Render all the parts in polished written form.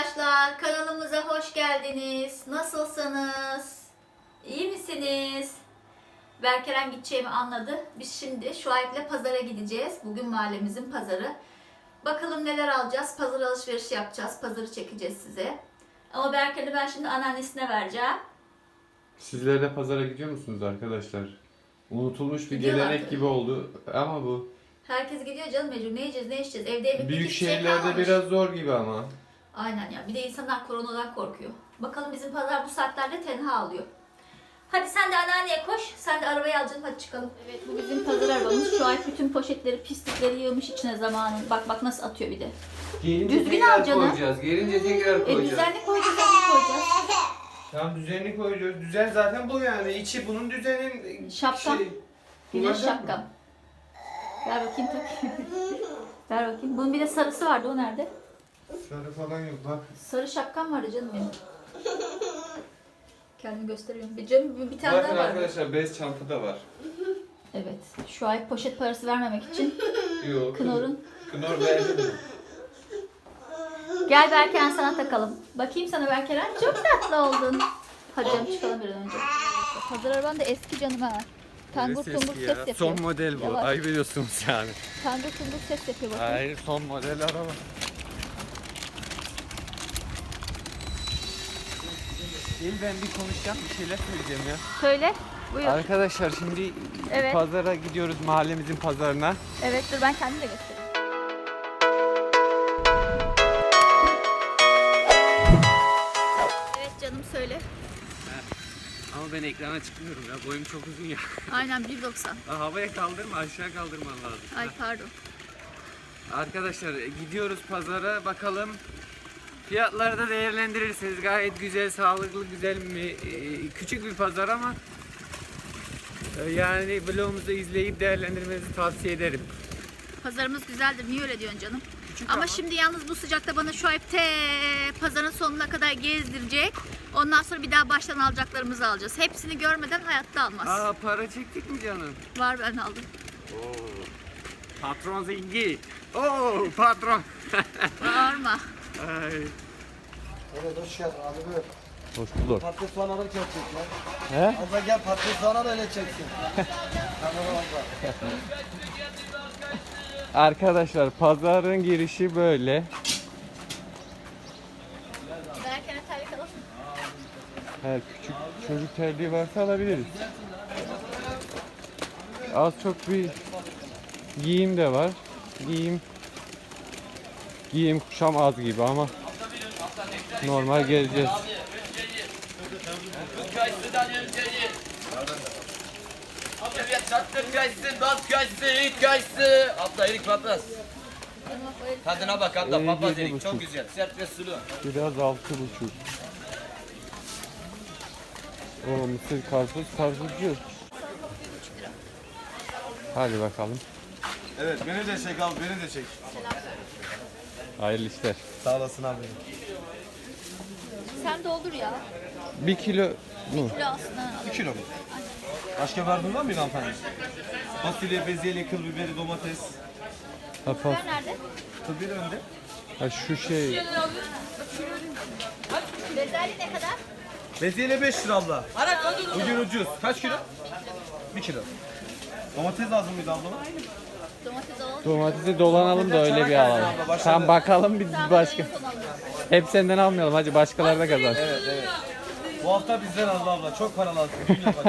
Arkadaşlar kanalımıza hoş geldiniz. Nasılsınız? İyi misiniz? Berkeren gideceğimi anladı. Biz şimdi Şuayb'le pazara gideceğiz. Bugün mahallemizin pazarı. Bakalım neler alacağız. Pazar alışverişi yapacağız. Pazarı çekeceğiz size. Ama Berkeren'i ben şimdi anneannesine vereceğim. Sizler de pazara gidiyor musunuz arkadaşlar? Unutulmuş bir Gidiyorlar gelenek tabii. gibi oldu ama bu Herkes gidiyor canım mecbur. Ne yiyeceğiz, ne içeceğiz? Evde yemek büyük hiçbir şey şehirlerde kalmamış. biraz zor gibi ama. Aynen ya. Bir de insanlar koronadan korkuyor. Bakalım bizim pazar bu saatlerde tenha alıyor. Hadi sen de anneanneye koş. Sen de arabayı alacaksın. Hadi çıkalım. Evet bu bizim pazar arabamız. Şu ay bütün poşetleri, pislikleri yığmış içine zamanın. Bak nasıl atıyor bir de. Gelince Düzgün tekrar al canım. koyacağız. Gelince tekrar koyacağız. Düzenli koyacağız, düzenli koyacağız. Tamam düzenli koyacağız. Düzen zaten bu yani. İçi bunun düzenin Şapkam. Güneş Kullanacak mı? şapkam. Ver bakayım tak. Ver bakayım. Bunun bir de sarısı vardı. O nerede? Sarı falan yok bak. Sarı şapkam vardı canım benim. Kendimi gösteriyorum. Bir tane Bakın daha var. arkadaşlar bez çanta da var. Evet. Şu ay poşet parası vermemek için Yok. Knorr'un. Knor verdi mi? Gel Berkeren sana takalım. Bakayım sana Berkeren. Çok tatlı oldun. Hadi canım çıkalım bir an önce. Pazar araban da eski canım ha. Tangur tungur ses yapıyor. Son model bu. Yavaş. Ayıp ediyorsunuz yani. Tangur tungur ses yapıyor bakın. Hayır son model araba. Gel ben bir konuşacağım, bir şeyler söyleyeceğim ya. Söyle. Buyur. Arkadaşlar şimdi Evet. pazara gidiyoruz, mahallemizin pazarına. Evet dur ben kendim de göstereyim. Evet canım söyle. Ama ben ekrana çıkmıyorum ya, boyum çok uzun ya. Aynen 1.90. Havaya kaldırma, aşağı kaldırman lazım. Ay pardon. Arkadaşlar gidiyoruz pazara, bakalım. Fiyatları da değerlendirirsiniz. Gayet güzel, sağlıklı, güzel mi? Küçük bir pazar ama yani vlogumuzu izleyip değerlendirmenizi tavsiye ederim. Pazarımız güzeldir. Niye öyle diyorsun canım? Küçük Ama şimdi yalnız bu sıcakta bana şu ay pazarın sonuna kadar gezdirecek. Ondan sonra bir daha baştan alacaklarımızı alacağız. Hepsini görmeden hayatta almaz. Aa, para çektik mi canım? Var ben aldım. Oo. Patron zengin. Oo patron. Bağırma. Ay. Evet hoş geldin abi buyur. Hoş bulduk. Patates soğanları çekecek ya. He? Abla gel patates soğanları öyle çeksin. Tamam abla. Arkadaşlar pazarın girişi böyle. Giderken terlik alalım. Her küçük çocuk terliği varsa alabiliriz. Az çok bir giyim de var. Giyim kuşam az gibi ama normal gezeceğiz. Evet, çattır kayısı, bal kayısı, erik kayısı. Abla erik papaz. Tadına bak abla, papaz 7,5. erik. Çok güzel, sert ve sulu. Biraz 6,5. O mısır karpuzcu. Hadi bakalım. Evet beni de çek abi beni de çek. Hayırlı işler. Sağ olasın abi. Sen doldur ya. 1 kilo mu? Kilo aslında alalım. 1 kilo mu? Başka verdin var mı hanımefendi? Fasulye, bezelye, kıl biberi, domates. Sen nerede? Kıl biberi önde. Ha şu şey. Bezelye ne kadar? Bezelye 5 lira abla. Bugün ucuz. Kaç kilo? 1 kilo. Domates lazım mıydı abla? Domates alalım. Domatesi dolanalım da öyle bir alalım. Tam bakalım bir başka. Hep senden almayalım hacı, başkaları da kazan. Evet evet. Bu hafta bizden aldı abla. Çok para lazım. Gün yapacağız.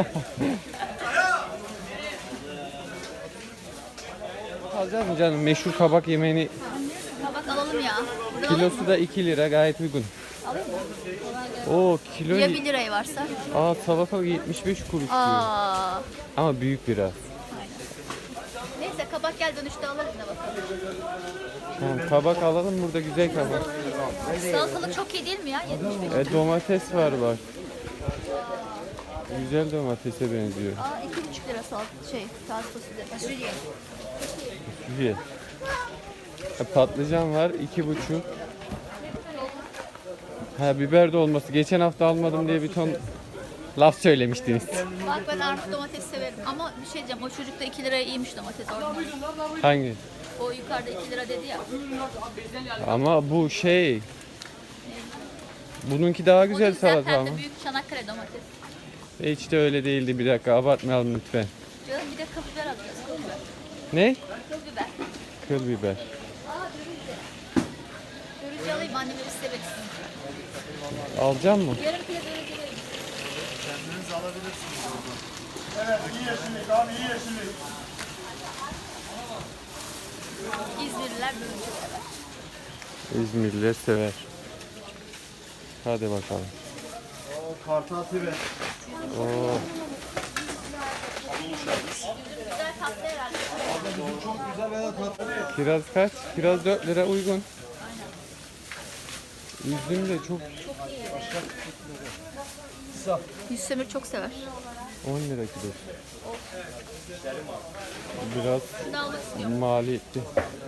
Alacağız mı canım? Meşhur kabak yemeğini Kabak alalım ya. Burada kilosu da 2 lira, gayet uygun. alayım mı? Oo kilo. Ya 1 liraya varsa? Aa salata 75 kuruş diyor. Aa. Ama büyük biraz. Neyse kabak gel dönüşte alırız ne bakalım. Tamam, kabak alalım, burada güzel kabak. Salatalık çok iyi değil mi ya? 75. Domates var bak. Güzel domatese benziyor. Aa 2,5 lira taze fasulye. Fasulye. Güzel. Patlıcan var 2,5. Ha biber de olması. Geçen hafta almadım diye bir ton laf söylemiştiniz. Bak ben artık domates severim ama bir şey diyeceğim o çocuk da 2 liraya iyiymiş domates orada. Hangi? O yukarıda 2 lira dedi ya. Ama bu şey Bununki daha güzel salata Hem ama. de büyük Çanakkale domates. Hiç de öyle değildi, bir dakika abartmayalım lütfen. Canım bir de kıl biber alacağız. Kıl biber. Ne? Kıl biber. Kıl biber. Aa dürüzce. Dürüzce alayım anneme istemek istedim. Alacak mı? Yarım kilo dürüzce verin. Evet, iyi yeşillik abi, iyi yeşillik. İzmirliler dürüzce sever. İzmirliler sever. Hadi bakalım. Kartal tibe. Oo. Güzel tatlı herhalde. Çok güzel ve tatlı. Kiraz kaç? Kiraz 4 lira uygun. Üzüm de çok Yüzsemir çok sever. 10 lira kilo. Biraz Şunu almak istiyorum. maliyetli.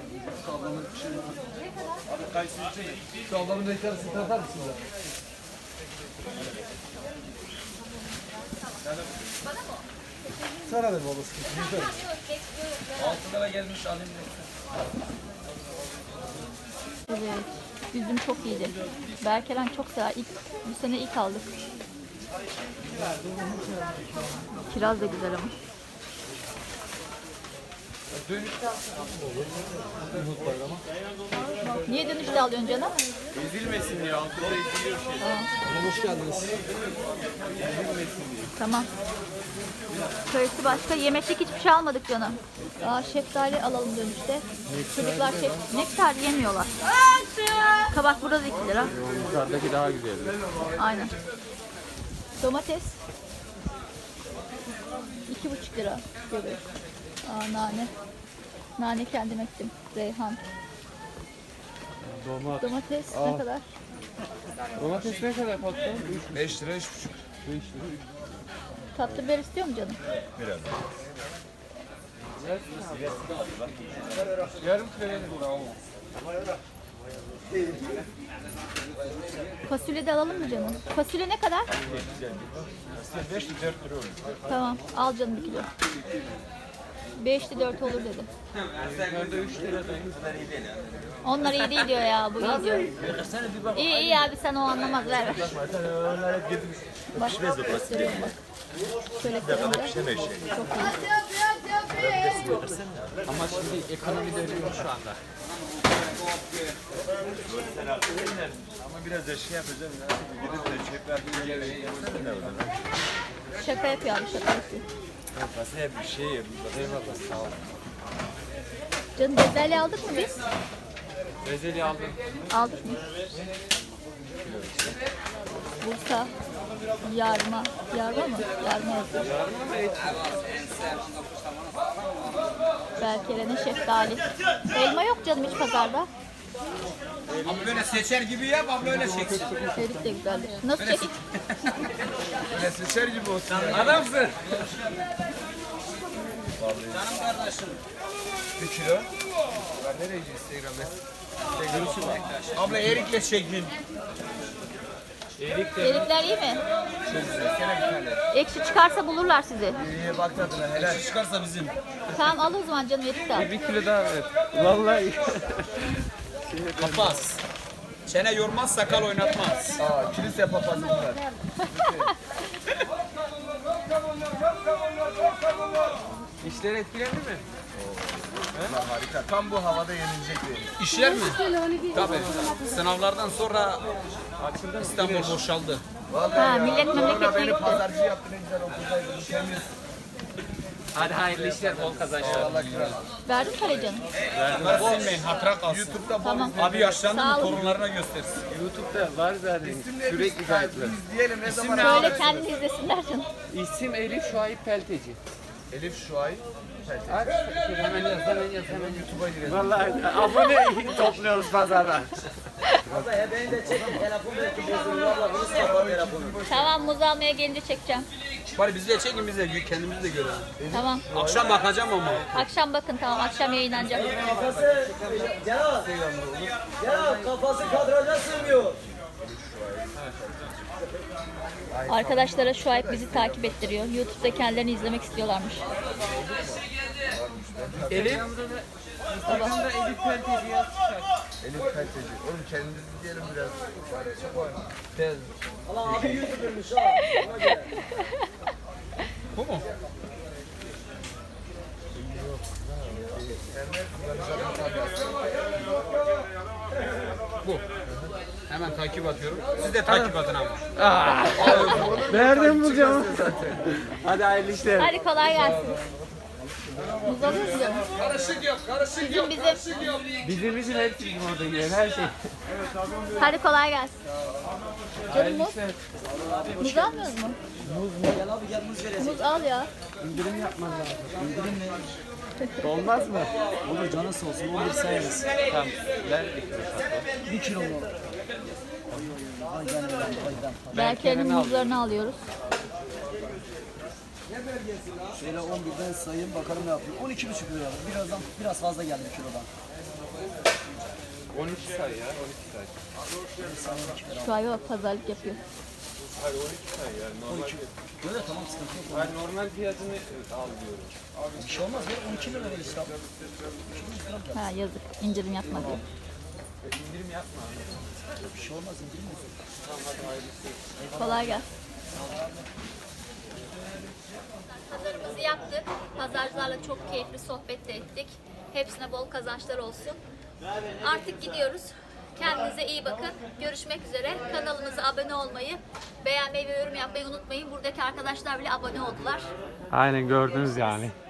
Şu ablamın da içerisini tatar mısın da? Sana ver babası. Güzel. 6 lira gelmiş alayım. Evet. Üzüm çok iyiydi. Berkeren çok sever. Bu sene ilk aldık. Kiraz da güzel ama. Niye dönüşte alıyorsun canım? Ezilmesin diye altında eziliyor şey. Hoş geldiniz. Tamam. Kayısı başka. Yemeklik hiçbir şey almadık canım. Aa, şeftali alalım dönüşte. Çocuklar nektar yemiyorlar. Kabak burada da 2 lira. Yukarıdaki daha güzel. Aynen. Domates. 2,5 lira. Göbek. Aa, nane. Nane kendim ektim. Reyhan. Domates ne kadar? Domates ne kadar patron? 5 lira 3,5. 5 lira. Tatlı biber istiyor mu canım? Yarım kilo verin. Fasulye de alalım mı canım? Fasulye ne kadar? 5 4 lira olur. Tamam al canım 1 kilo. 5'li 4 olur dedim. Onlar iyi değil diyor ya, bu iyi diyor. İyi iyi abi, sen o anlamaz, ver ver. Bak gösteriyorum bak. Şöyle kırınca çok iyi. Ama şimdi ekonomi dönüyor şu anda. Ama biraz da şey yapacağım ya. Gidip de çekler bir yere yapsana ne olur. Şaka yapıyor abi, şaka yapıyor. Masaya bir şey yedim. Eyvallah sağ ol. Canım bezelye aldık mı biz? Bezeli aldım. Aldık mı? Bursa yarma. Yarma mı? Yarma yazıyor. Berkeren'in şeftali. Elma yok canım hiç pazarda. Ama böyle seçer gibi yap, ama böyle çeksin. Erik de güzeldir. Nasıl çekik? Ne seçer gibi olsun. Adamsın. Canım kardeşim. 1 kilo. Ben nereye gideceğim Instagram'da? Abla erikle çekin. Erikler iyi mi? Ekşi çıkarsa bulurlar sizi. İyi bak tadına helal. Çıkarsa bizim. Tamam al o zaman canım, erik de al. 1 kilo daha ver. Vallahi. Papaz. Çene yormaz, sakal oynatmaz. Aa, kilise papazı bunlar. İşler etkilendi mi? Harika. Tam bu havada yenilecek bir. İşler mi? Tabii. Sınavlardan sonra İstanbul boşaldı. Ha, millet Sonra memleketine beni gitti. pazarcı yaptı, ne güzel okuldaydım. Temiz. Hadi hayırlı işler, bol kazançlar. Allah kral. Verdin para canım. Bunları silmeyin, hatıra kalsın. YouTube'da Tamam. Abi yaşlandı Sağ mı olun. torunlarına göstersin. YouTube'da var zaten. İsimle Sürekli biz kayıtlı. izleyelim ne zaman. Söyle kendini izlesinler canım. İsim Elif Şuayip Pelteci. Elif Şuay. Aç. Hemen yaz, hemen yaz, hemen YouTube'a girelim. Vallahi abone topluyoruz pazarda. Tamam, muz almaya gelince çekeceğim. Bari bizi de çekin, biz de kendimizi de görelim. Tamam. Akşam bakacağım ama. Akşam bakın, tamam, akşam yayınlanacak. Ya kafası kadraja sığmıyor. Arkadaşlara Şuayb bizi takip ettiriyor. YouTube'da kendilerini izlemek istiyorlarmış. Elif Instagram'da Elif Pelteci yaz çıkar. Elif kaliteci. Oğlum kendinizi diyelim biraz. Allah abi 100 liraymış ha. Ona göre. Bu mu? Bu. Hemen takip atıyorum. Siz de takip atın ama. Nereden bulacağım? Hadi hayırlı işler. Hadi kolay gelsin. Muz alıyor musun? Karışık yok, karışık yok. Bizim. Bizim için hepsi bizim orada yiyen her şey. Hadi kolay gelsin. Canım muz. İşte Muz almıyoruz mu? Gel abi gel muz vereceğim. Muz al ya. indirim yapmaz lazım. İndirim mi? Olmaz mı? Olur canı sağ olsun 11 sayarız. Tamam. Ver. 1 kilo mu? Ay gel lan aydan. Berke'nin muzlarını alıyoruz. Şöyle 11'den sayayım bakalım ne yapıyor. 12,5 lira. Birazdan biraz fazla geldi kilodan. 12 say ya. 12 say. Şu ay bak pazarlık yapıyor. Hayır 12 say ya. Normal. Böyle tamam sıkıntı yok. Hayır normal fiyatını al diyorum. Bir şey olmaz ya 12 lira ver işte. Ha yazık. İndirim yapmadı. İndirim yapma. Bir şey olmaz indirim olsun. Kolay gelsin. Pazarımızı yaptık. Pazarcılarla çok keyifli sohbet de ettik. Hepsine bol kazançlar olsun. Artık gidiyoruz. Kendinize iyi bakın. Görüşmek üzere. Kanalımıza abone olmayı, beğenmeyi ve yorum yapmayı unutmayın. Buradaki arkadaşlar bile abone oldular. Aynen gördünüz yani.